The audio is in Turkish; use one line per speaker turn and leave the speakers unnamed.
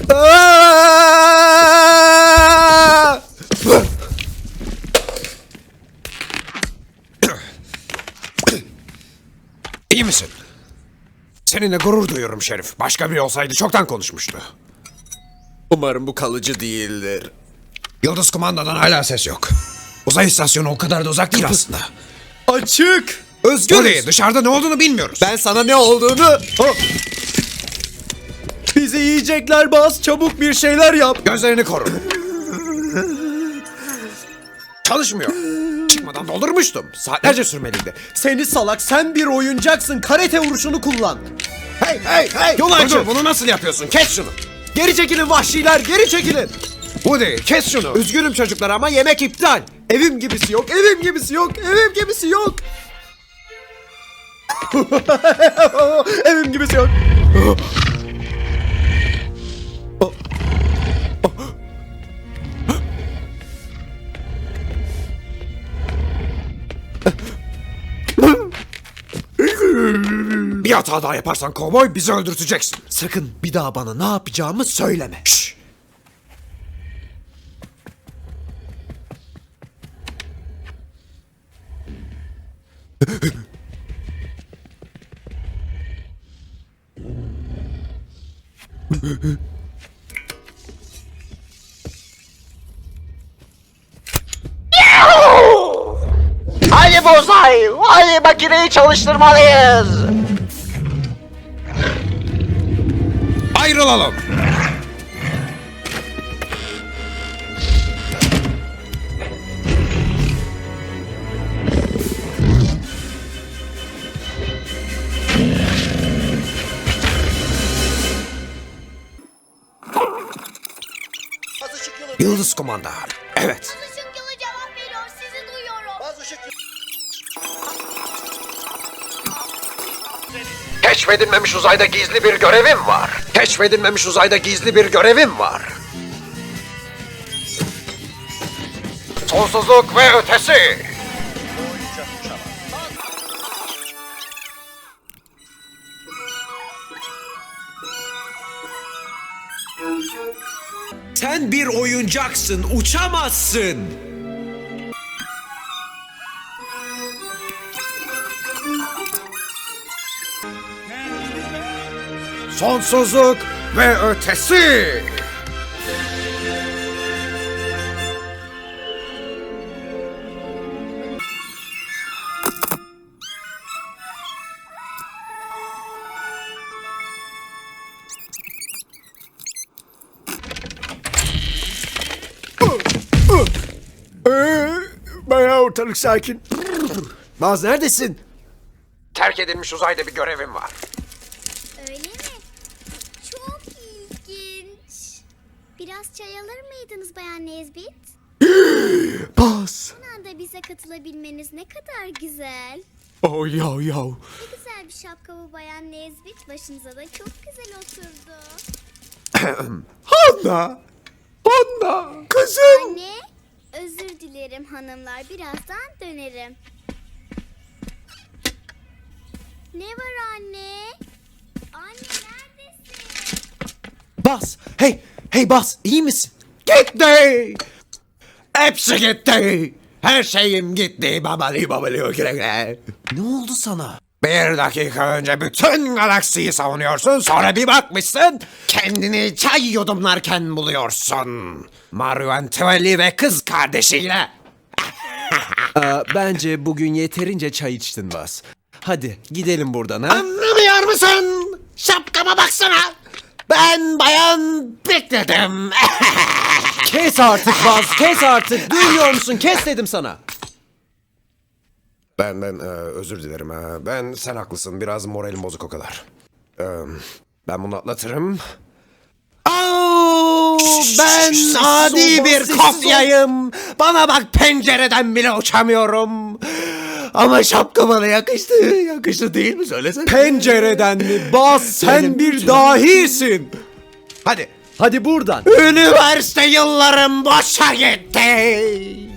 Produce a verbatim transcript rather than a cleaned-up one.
İyi misin? Seninle gurur duyuyorum Şerif. Başka biri olsaydı çoktan konuşmuştu.
Umarım bu kalıcı değildir.
Yıldız kumandadan hala ses yok. Uzay istasyonu o kadar da uzak değil aslında.
Açık.
Özgür
Özgürüz.
dışarıda ne olduğunu bilmiyoruz.
Ben sana ne olduğunu... Oh. Bizi yiyecekler Baz. Çabuk bir şeyler yap.
Gözlerini koru. Çalışmıyor. Çıkmadan doldurmuştum. Saatlerce sürmeliydi.
Seni salak, sen bir oyuncaksın. Karate vuruşunu kullan.
Hey hey hey!
Yol
Dur,
açın.
dur, bunu nasıl yapıyorsun? Kes şunu.
Geri çekilin vahşiler, geri çekilin.
Woody kes şunu.
Üzgünüm çocuklar ama yemek iptal. Evim gibisi yok, evim gibisi yok, evim gibisi yok. Evim gibisi yok.
Bir hata daha yaparsan kovboy bizi öldürteceksin.
Sakın bir daha bana ne yapacağımı söyleme.
Şşş.
Hadi Bozay, hadi makineyi çalıştırmalıyız.
Ayrılalım. Yıldız kumanda. Evet.
Işık yılı cevap veriyor. Sizi duyuyorum.
Keşfedilmemiş uzayda gizli bir görevim var. Keşfedilmemiş uzayda gizli bir görevim var. Sonsuzluk ve ötesi.
Sen bir oyuncaksın, uçamazsın.
Sonsuzluk ve ötesi.
Bayağı ortalık sakin. Baz neredesin?
Terk edilmiş uzayda bir görevim var.
Öyle mi? Çok ilginç. Biraz çay alır mıydınız Bayan Nesbit?
Baz.
Son anda bize katılabilmeniz ne kadar güzel.
Oh yav yav.
Ne güzel bir şapka bu Bayan Nesbit. Başınıza da çok güzel oturdu.
Hanna. Hanna. Kızım.
Anne, özür dilerim hanımlar. Birazdan dönerim. Ne var anne? Anne neredesin?
Baz. Hey. Hey Baz. İyi misin?
Gitti. Hepsi gitti. Her şeyim gitti. Babali babali güle güle.
Ne oldu sana?
Bir dakika önce bütün galaksiyi savunuyorsun. Sonra bir bakmışsın kendini çay yudumlarken buluyorsun. Mario Antoine ve kız kardeşiyle.
Aa, bence bugün yeterince çay içtin Baz. Hadi gidelim buradan ha.
Anlamıyor musun? Şapkama baksana. Ben bayan bekledim.
Kes artık Baz. Kes artık. Duymuyor musun? Kes dedim sana.
Ben ben e, özür dilerim. e, Ben sen haklısın. Biraz moralim bozuk o kadar. E, Ben bunu atlatırım. Au, ben
sessiz
adi
ol,
bir
sessiz
kopyayım. Bana bak pencereden bile uçamıyorum. Ama şapka bana yakıştı. Yakıştı değil mi? Söylesene.
Pencereden mi? Baz sen
Benim
bir
bütün-
dahisin.
Hadi.
Hadi buradan.
Üniversite yıllarım boşa gitti.